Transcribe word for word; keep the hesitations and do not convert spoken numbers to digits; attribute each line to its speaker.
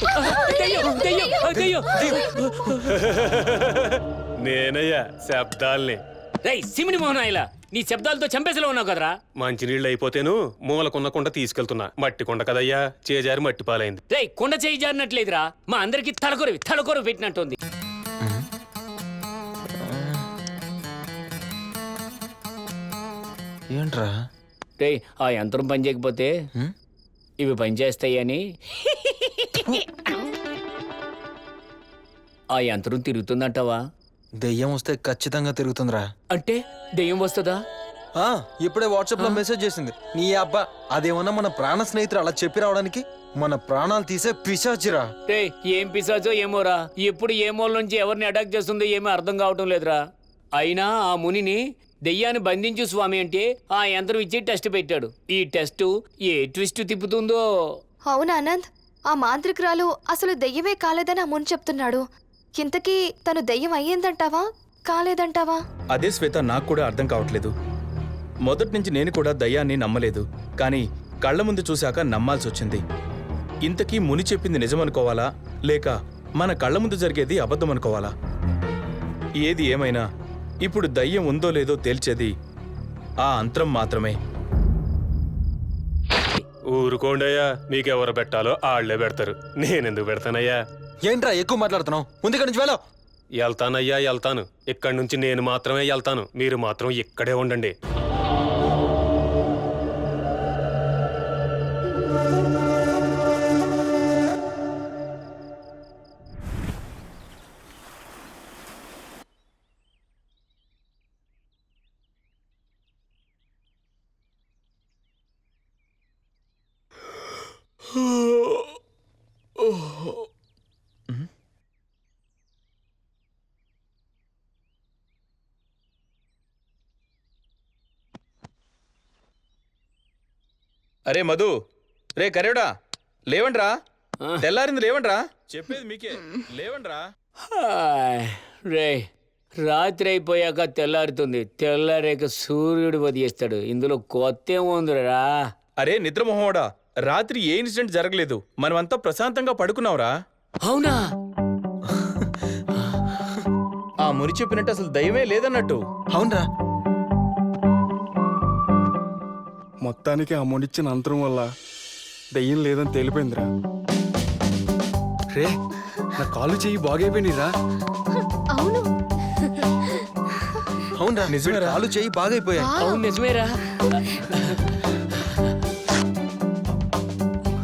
Speaker 1: నేనయ్యా శబ్దాల్ని.
Speaker 2: రేయ్ సిమిని మోహనాయిలా, నీ శబ్దాలతో చంపేసలో ఉన్నావు కదరా.
Speaker 1: మంచినీళ్ళు అయిపోతేను మూలకున్న కుండ తీసుకెళ్తున్నా. మట్టి కుండ కదయ్యా, చేజారి మట్టి పాలైంది.
Speaker 2: రేయ్ కొండ చేయి జారినట్లేదురా, మా అందరికి తలకొరవి తలకొరవి పెట్టినట్టుంది.
Speaker 3: ఏంట్రా?
Speaker 2: రేయ్ ఆ యంత్రం పని చేయకపోతే ఇవి పనిచేస్తాయని ఆ యంత్రం తిరుగుతుందంటావా?
Speaker 3: దెయ్యం వస్తే ఖచ్చితంగా తిరుగుతుందిరా.
Speaker 2: అంటే దెయ్యం వస్తుందా?
Speaker 3: ఆ, ఇప్పుడే వాట్సాప్ లో మెసేజ్ చేసింది. నీ అబ్బా, అదేమన్నా మన ప్రాణ స్నేహితుడు అలా చెప్పి రావడానికి? మన ప్రాణాలు తీసే పిశాచిరా.
Speaker 2: రే ఏం పిశాచో ఏమోరా, ఎప్పుడు ఏ మూల నుంచి ఎవరిని అటాక్ చేస్తుందో ఏమీ అర్థం కావటం లేదురా. అయినా ఆ మునిని దెయ్యాన్ని బంధించు స్వామి అంటే ఆ యంత్రం ఇచ్చి టెస్ట్ పెట్టాడు. ఈ టెస్ట్ ఏ ట్విస్ట్ తిప్పుతుందో.
Speaker 4: అవునా ఆనంద్, ఆ మాంత్రికురాలు అసలు దెయ్యమే కాలేదని ఆ ముని చెప్తున్నాడు. ఇంతకీ తను దెయ్యం అయ్యిందంటావా కాలేదంటావా?
Speaker 5: అదే శ్వేత, నాకు కూడా అర్థం కావట్లేదు. మొదటి నుంచి నేను కూడా దయ్యాన్ని నమ్మలేదు, కానీ కళ్ళ ముందు చూశాక నమ్మాల్సి వచ్చింది. ఇంతకీ ముని చెప్పింది నిజమనుకోవాలా, లేక మన కళ్ళ ముందు జరిగేది అబద్ధం అనుకోవాలా? ఏది ఏమైనా ఇప్పుడు దయ్యం ఉందో లేదో తేల్చేది ఆ అంతరం మాత్రమే.
Speaker 1: ఊరుకోండయ్యా, మీకెవరు పెట్టాలో ఆళ్లే పెడతారు. నేనెందుకు పెడతానయ్యా?
Speaker 3: ఏంట్రా ఎక్కువ మాట్లాడుతున్నావు? ముందు ఇక్కడి నుంచి వెళ్ళావు.
Speaker 1: వెళ్తానయ్యా వెళ్తాను. ఇక్కడి నుంచి నేను మాత్రమే వెళ్తాను. మీరు మాత్రం ఇక్కడే ఉండండి.
Speaker 5: అరే మధు, రే కరేడా, లేవండ్రా. తెల్లారింది, లేవండ్రా. చెప్పేది మీకే, లేవండ్రా.
Speaker 2: రే రాత్రి అయిపోయాక తెల్లారుతుంది, తెల్లారేక సూర్యుడు వదిలేస్తాడు. ఇందులో కొత్త ఏముందిరా?
Speaker 5: అరే నిద్రమోహోడా, రాత్రి ఏ ఇన్సిడెంట్ జరగలేదు. మనమంతా ప్రశాంతంగా పడుకున్నావురా.
Speaker 2: అవునా?
Speaker 5: ఆ ముని చెప్పినట్టు అసలు దయ్యమే లేదన్నట్టు.
Speaker 3: అవునరా,
Speaker 6: మొత్తానికి ఆ మునిచ్చిన అంతరం వల్ల దయ్యం లేదని తేలిపోయిందిరా. రే నా కాలు చెయ్యి బాగైపోయినరా.
Speaker 4: అవును
Speaker 3: అవునరా, నిజమే. కాలు చెయ్యి బాగైపోయాయి.
Speaker 2: అవును నిజమేరా.